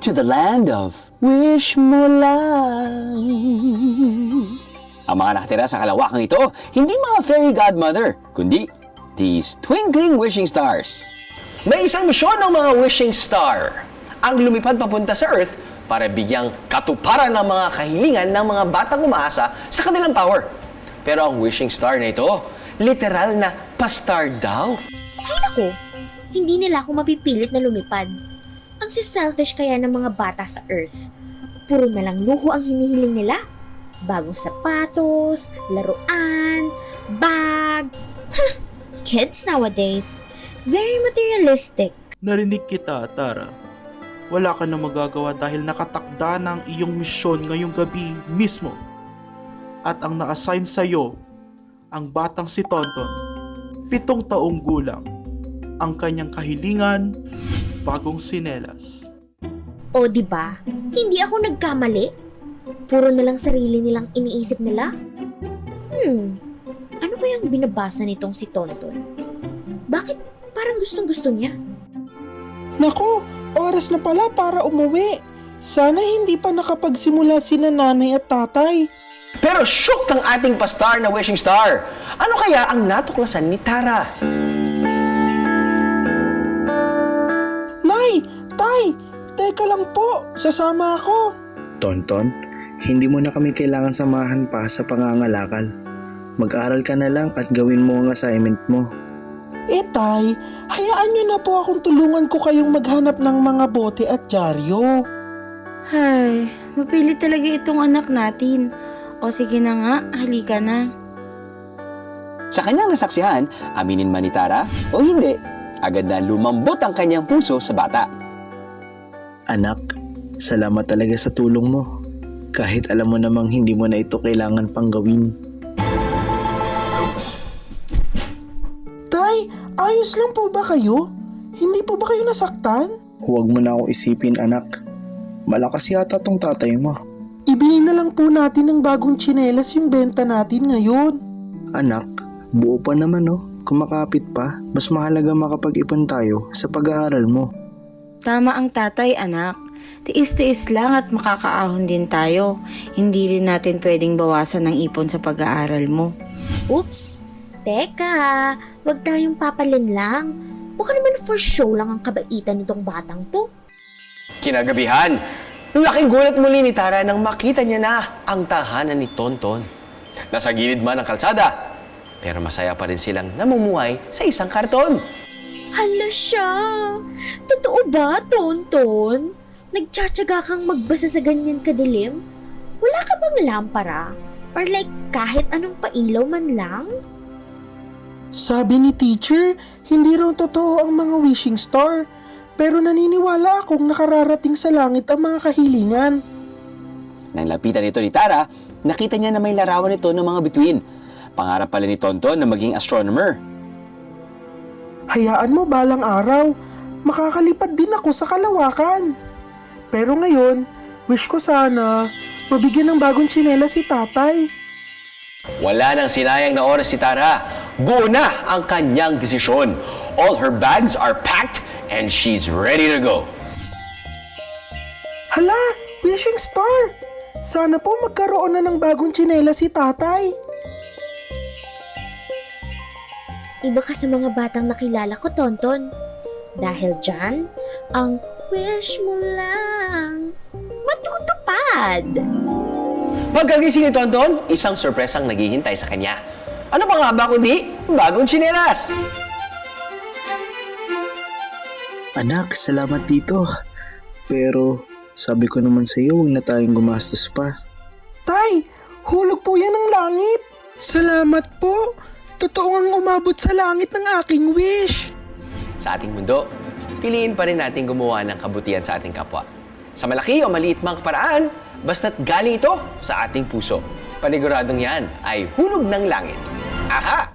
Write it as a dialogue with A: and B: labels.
A: to the land of wish mo lang. Ang mga nakatira sa kalawakang ito, hindi mga fairy godmother, kundi these twinkling wishing stars.
B: May isang misyon ng mga wishing star ang lumipad papunta sa Earth para bigyang katuparan ng mga kahilingan ng mga batang umaasa sa kanilang power. Pero ang wishing star na ito, literal na pa-star daw.
C: Ay nako, hindi nila ako mapipilit na lumipad. Ang si-selfish kaya ng mga bata sa Earth. Puro na lang luho ang hinihiling nila. Bagong sapatos, laruan, bag. Kids nowadays, very materialistic.
D: Narinig kita, Tara. Wala ka na magagawa dahil nakatakda na ang iyong misyon ngayong gabi mismo. At ang na-assign sa'yo, ang batang si Tonton, 7 taong gulang. Ang kanyang kahilingan, bagong sinelas.
C: O di ba? Hindi ako nagkamali. Puro na lang sarili nilang iniisip nila. Ano kayang binabasa nitong si Tonton? Bakit parang gustong-gusto niya?
E: Naku, oras na pala para umuwi. Sana hindi pa nakapagsimula sina nanay at tatay.
B: Pero shook ang ating pa-star na wishing star. Ano kaya ang natuklasan ni Tara?
E: Nay! Tay! Teka lang po, sasama ako.
F: Tonton, hindi mo na kami kailangan samahan pa sa pangangalakal. Mag-aral ka na lang at gawin mo ang assignment mo.
E: Tay, hayaan niyo na po akong tulungan ko kayong maghanap ng mga bote at dyaryo.
G: Hay, mapilit talaga itong anak natin. O sige na nga, halika na.
A: Sa kanyang nasaksihan, aminin man ni Tara o hindi, agad na lumambot ang kanyang puso sa bata.
F: Anak, salamat talaga sa tulong mo. Kahit alam mo namang hindi mo na ito kailangan pang gawin.
E: Tay, ayos lang po ba kayo? Hindi po ba kayo nasaktan?
F: Huwag mo na ako isipin, anak. Malakas yata tong tatay mo.
E: Ibili na lang po natin ng bagong tsinelas yung benta natin ngayon.
F: Anak, buo pa naman oh. Kumakapit pa, mas mahalaga makapag-ipon tayo sa pag-aaral mo.
G: Tama ang tatay, anak. Tiis-tiis lang at makakaahon din tayo. Hindi rin natin pwedeng bawasan ng ipon sa pag-aaral mo.
C: Oops! Teka, wag tayong papalin lang. Baka naman for show lang ang kabaitan nitong batang to.
B: Kinagabihan, laking gulat muli ni Tara nang makita niya na ang tahanan ni Tonton. Nasa gilid man ng kalsada, pero masaya pa rin silang namumuhay sa isang karton.
C: Hala siya! Totoo ba, Tonton? Nagtsatsaga kang magbasa sa ganyan kadilim? Wala ka bang lampara? Or like kahit anong pailaw man lang?
E: Sabi ni teacher, hindi raw totoo ang mga wishing star. Pero naniniwala akong nakararating sa langit ang mga kahilingan.
A: Nang lapitan ito ni Tara, nakita niya na may larawan ito ng mga bituin. Pangarap pala ni Tonton na maging astronomer.
E: Hayaan mo balang araw, makakalipad din ako sa kalawakan. Pero ngayon, wish ko sana mabigyan ng bagong tsinelas si tatay.
B: Wala nang sinayang na oras si Tara. Buo na ang kanyang desisyon. All her bags are packed and she's ready to go.
E: Hala, wishing star! Sana po magkaroon na ng bagong tsinelas si tatay.
C: Iba ka sa mga batang nakilala ko, Tonton. Dahil dyan, ang wish mo lang matutupad.
B: Pagkagising ni Tonton, isang sorpresang naghihintay sa kanya. Ano pa nga ba kundi bagong tsinelas?
F: Anak, salamat dito. Pero sabi ko naman sa iyo, huwag na tayong gumastos pa.
E: Tay, hulog po yan ng langit. Salamat po. Totoo ngang umabot sa langit ng aking wish.
B: Sa ating mundo, piliin pa rin natin gumawa ng kabutihan sa ating kapwa. Sa malaki o maliit mang paraan, basta't galing ito sa ating puso. Paniguradong yan ay hulog ng langit. Aha!